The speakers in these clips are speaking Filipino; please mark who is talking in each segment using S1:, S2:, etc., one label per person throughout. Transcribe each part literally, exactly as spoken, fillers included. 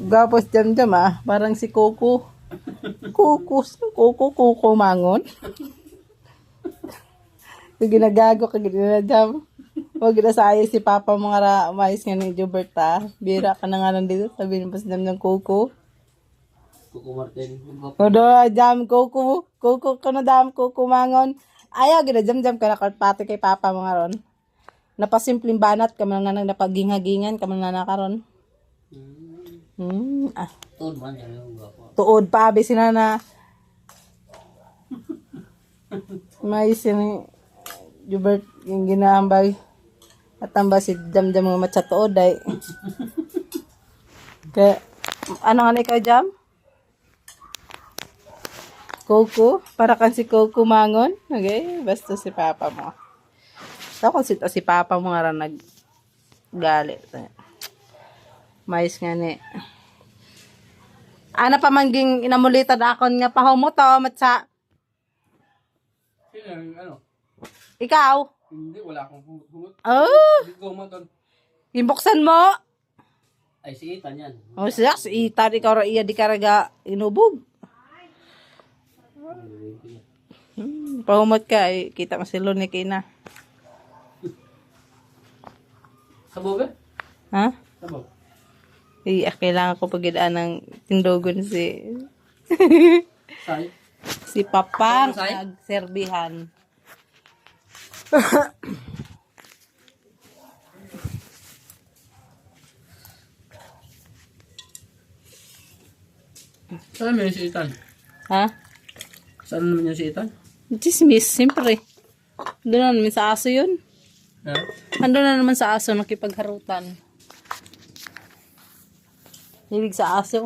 S1: Gapos jam jam ah. Parang si Coco. Coco. Coco, Coco mangon. Yung ginagago ka ginadam. Huwag na sayang si Papa mga ra. Umayos nga ni Jobert ah. Bira ka na nga nandito. Sabi ng pasdam ng Coco.
S2: Coco Martin.
S1: Kodo, jam Coco. Coco ka na dam Coco mangon. Ayaw, ginajam jam ka na pati kay Papa mga ron. Napasimpleng banat ka man nga napaginghagingan ka man nga nakaron. Hmm. Ah.
S2: Tuod man yan yung gwapo.
S1: Tuod pa abi sina na. May sini Jubert yung ginaambay. At tamba si Jam Jam mga matsa tuod ay. Kaya ano nga ikaw Jam? Coco, para kan si Coco mangon. Okay, basta si Papa mo. Ako kung sito si Papa mo nga nag galit. Mais nga ni. Ana pa man ging inamulitan akon nga pahaw mo to, matsa.
S2: Sino yung ano?
S1: Ikaw?
S2: Hindi, wala akong humot.
S1: Oh,
S2: Hindi ko humoton.
S1: imbuksan mo.
S2: Ay, si Ethan yan.
S1: Oh, siya, si Ethan, ikaw ra iya di karaga inubog. Hmm, pahumot ka, eh, kita mo si Luni kina.
S2: Sabog eh?
S1: Ha?
S2: Sabog.
S1: Iya, kailangan ko pagidaan ng tindogon si
S2: Say?
S1: si Papang
S2: Say?
S1: nagserbihan.
S2: Saan naman yung si Ethan?
S1: Ha?
S2: Saan naman yung si Ethan?
S1: Chismis, siyempre. Doon na naman sa aso yun.
S2: Ha?
S1: Ando na naman sa aso, nakipagharutan. Ibig sa aso.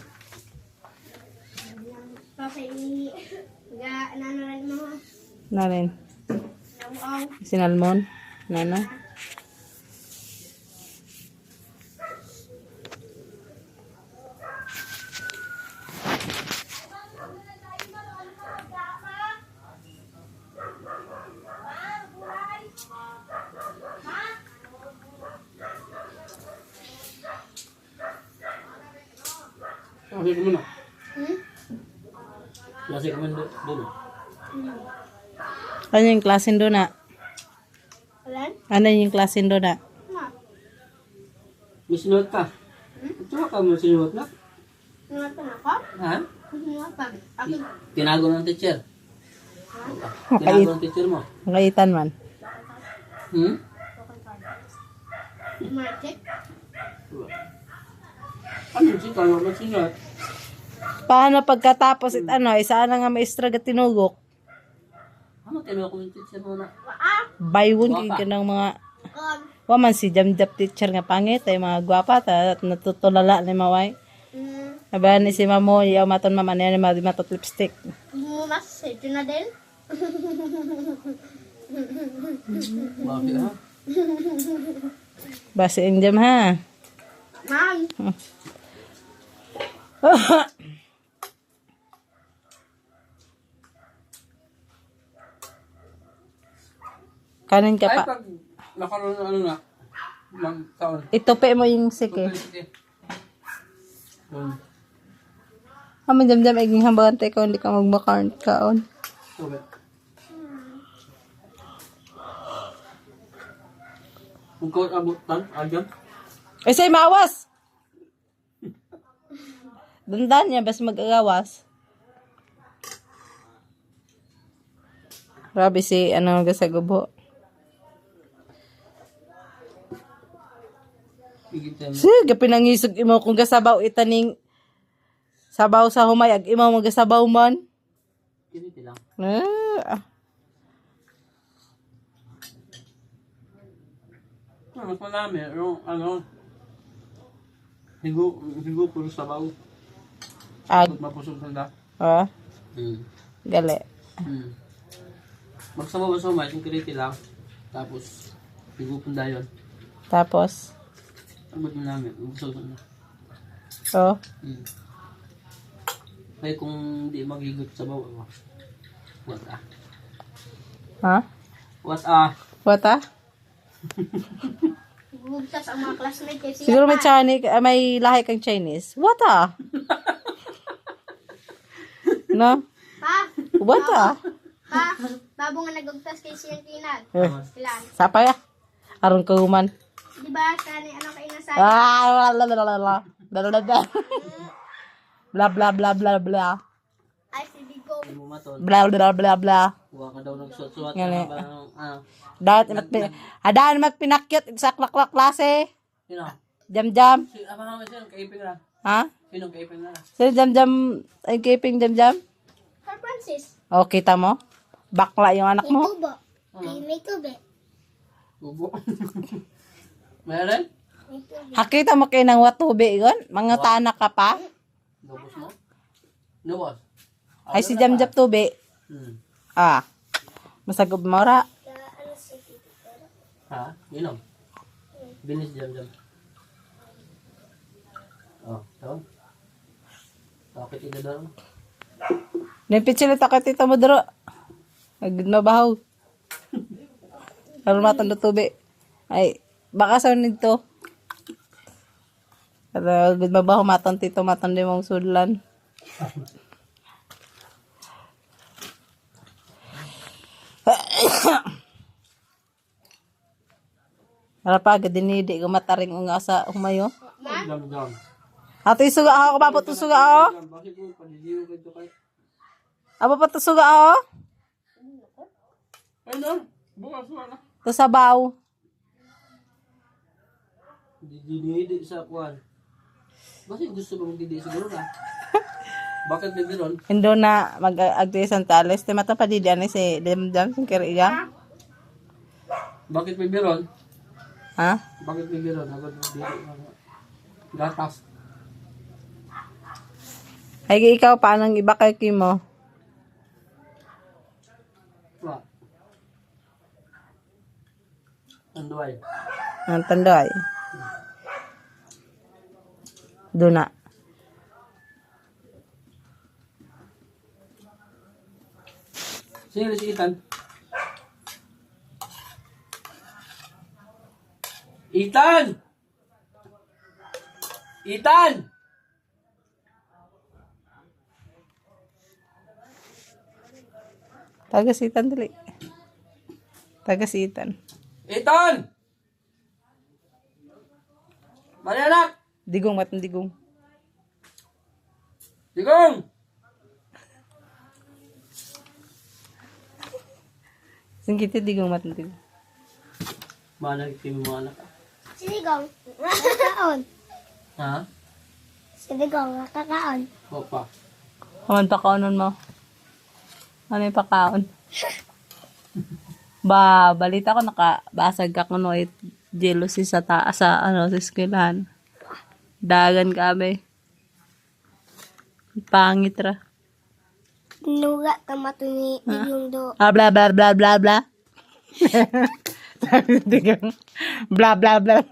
S3: Kasi ga nanaran mo.
S1: Na rin.
S3: Nawaw.
S1: Sinalmon. Nana.
S2: Klase ko muna.
S3: Hmm?
S2: Klase ko muna doon.
S1: Ano yung klasin doon na?
S3: Alan?
S1: Ano yung klasin doon na?
S3: Ma.
S2: May sinuot ka? Ito ka mo sinuot na?
S3: Nuwatan ako?
S2: Ha?
S3: Nuwatan. Ako.
S2: Tinago ng teacher.
S1: Makait.
S2: Tinago ng teacher mo.
S1: Makaitan man.
S2: Hmm?
S3: Market.
S2: Ano si Carlo na sinuot?
S1: Paano pagkatapos it ano, isa na nga maestra ga tinugok?
S2: Ano tinago ng teacher mo na?
S3: Ah.
S1: Baywon
S2: Guwapa.
S1: kay kanang mga
S3: Kon.
S1: waman si Jamjap teacher nga pangit ay mga gwapa ta at natutulala ni maway.
S3: Hmm.
S1: Aba ni si mamo yaw maton mama ni madi matot lipstick.
S3: Mumas. Ito na din.
S2: Bakit ha?
S1: Basi ang jam ha.
S3: Ma'am.
S1: Kanin ka
S2: Ay,
S1: pa.
S2: pag nakaroon ng ano na, ng taon.
S1: Itupi mo yung sike.
S2: Um,
S1: Amo jam jam iging hambagan tay ko hindi ka magbakarn kaon.
S2: Tubig. Kung kau abutan, agam.
S1: Ay say mawas. Dandan niya bas mag-agawas. Grabe si ano ga sa gubo.
S2: Igitan.
S1: Sige, pinangisog imo kung gasabaw itaning sabaw sa humay ag imo magasabaw man.
S2: Kiniti lang.
S1: Ah,
S2: Ah, mas marami. Yung ano, higo, higo puro sabaw.
S1: ag
S2: Ba't mapusog sanda?
S1: ah,
S2: Hmm.
S1: gali.
S2: Hmm. Magsabaw sa umay, yung kiniti lang. Tapos, higo punda yun.
S1: Tapos
S2: Ang ba't mo namin, mapusog sanda.
S1: oh,
S2: Hmm. Kaya kung di magigot sa bawa mo, what ah?
S1: ha?
S2: What ah?
S1: What ah?
S3: Bugtas ang mga classmate kasi
S1: Siguro may Chinese, ah, may lahi kang Chinese. What ah? No?
S3: Pa,
S1: What ah?
S3: pa, babo nga nagugtas kay siyang tinag.
S1: Eh,
S3: Ilan?
S1: sapa ya? Aron ka human.
S3: Di ba, kani ano kayo nasay?
S1: Ah, bla bla bla bla. Bla bla bla. Bla bla bla bla bla.
S3: Ay, si Digo.
S2: Hindi mo maton.
S1: Bla bla bla bla.
S2: Huwag ka daw nagsuot-suot.
S1: Yan eh.
S2: Ka ba ng, ano?
S1: Dahil magpin adaan magpinakyot sa klak-klak klase.
S2: Sino?
S1: Jam-jam.
S2: Si, abang naman siya, kaipin na.
S1: Ha?
S2: Sino kaipin na?
S1: Sino jam-jam? Ay keeping jam-jam?
S3: Sir Francis.
S1: O, kita mo? Bakla yung anak mo.
S3: tubo. Ay, may tubig.
S2: Bubo. Meron?
S3: May tubig.
S1: Hakita mo kayo ng watubi yun? Mga tanak ka pa?
S2: Nubos mo? Nubos?
S1: Ay si jam-jam tubi.
S2: Hmm.
S1: Ah. Masagub mo ra.
S2: Ha? Inom? Binis jam-jam. Oh, tawag. Bakit ito daw?
S1: Nimpitsil ito ka tito mo daro. Agad mabahaw. Aron matan tubi. Ay, baka sa nito. Pero agad mabahaw matan tito matan di mong sudlan. Para pa agad dinidi ko mataring unga sa humayo.
S2: Jam-jam.
S1: Ato isuga ako kapapot suga ako.
S2: Bakit mo paniliw ka ito kayo?
S1: Aba pa to suga ako.
S2: Ay na, bukas wala.
S1: To sabaw.
S2: Dinidi sa kuwan. Bakit gusto mong didi siguro na? Bakit may meron?
S1: Indo na mag-agti santales. Di mata pa di diyan si Demdam sing kiriga.
S2: Bakit may meron?
S1: Ha?
S2: Bakit may meron? Agad didi. Gatas.
S1: Ay ikaw paano iba kay Kimo?
S2: Wala. Anduay.
S1: Ang tandoy. Do na.
S2: Sino si Ethan? Ethan! Ethan!
S1: Tagasitan dali. Tagasitan.
S2: Ethan! Mali anak!
S1: Digong matang digong.
S2: Digong!
S1: Singkiti digong matang digong.
S2: Mana kimi mo anak ka?
S3: Si Digong. Nakakaon.
S2: Ha?
S3: Si Digong. Nakakaon.
S2: Opa.
S1: Kaman pakaonon mo. Ano yung pakaon? Ba, balita ko nakabasag ka kuno it jealousy sa taas sa ano sa eskwelahan. Dagan kami. Pangit ra.
S3: Nuga tamato ni Digong do.
S1: Ah, bla bla bla bla bla. Sabi Digong, bla bla bla.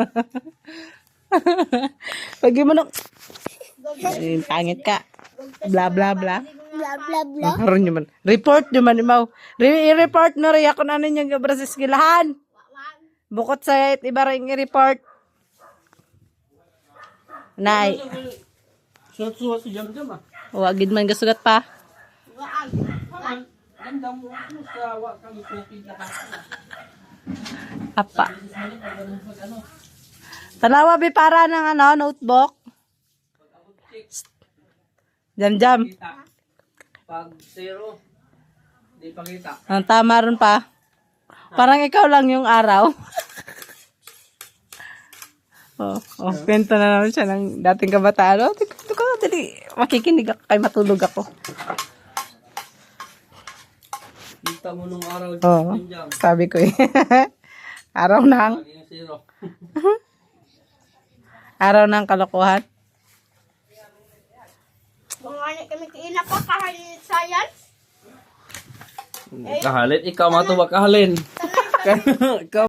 S1: Pag mo nung, ay, pangit ka. Bla bla bla.
S3: Bla bla bla.
S1: Karon nyo man. Report nyo man, imaw. Re- i-report no rin ako na ninyong gabra sa skilahan. Bukod sa it, iba rin i-report. Nay,
S2: Suot-suot si Jam-Jam ah.
S1: wagid man gasugat pa.
S2: Ganda mo ako sa wa kami cookie na ka.
S1: Apa. Tanawa bi para ng ano, notebook. Jam jam.
S2: Pag zero, di pakita.
S1: Ang tama ron pa. Parang ikaw lang yung araw. oh, oh, kwento na naman siya ng dating kabataan. Oh, tika, tika, dali. Makikinig ako kay matulog ako.
S2: Kita mo nung araw
S1: Oo,
S2: Jam-Jam.
S1: sabi ko eh. Araw ng,
S2: Lagi yung zero.
S1: araw ng kalokohan.
S3: Mga kami kaina pa kahalit science.
S2: Kahalit, ikaw matuwa kahalin. Ikaw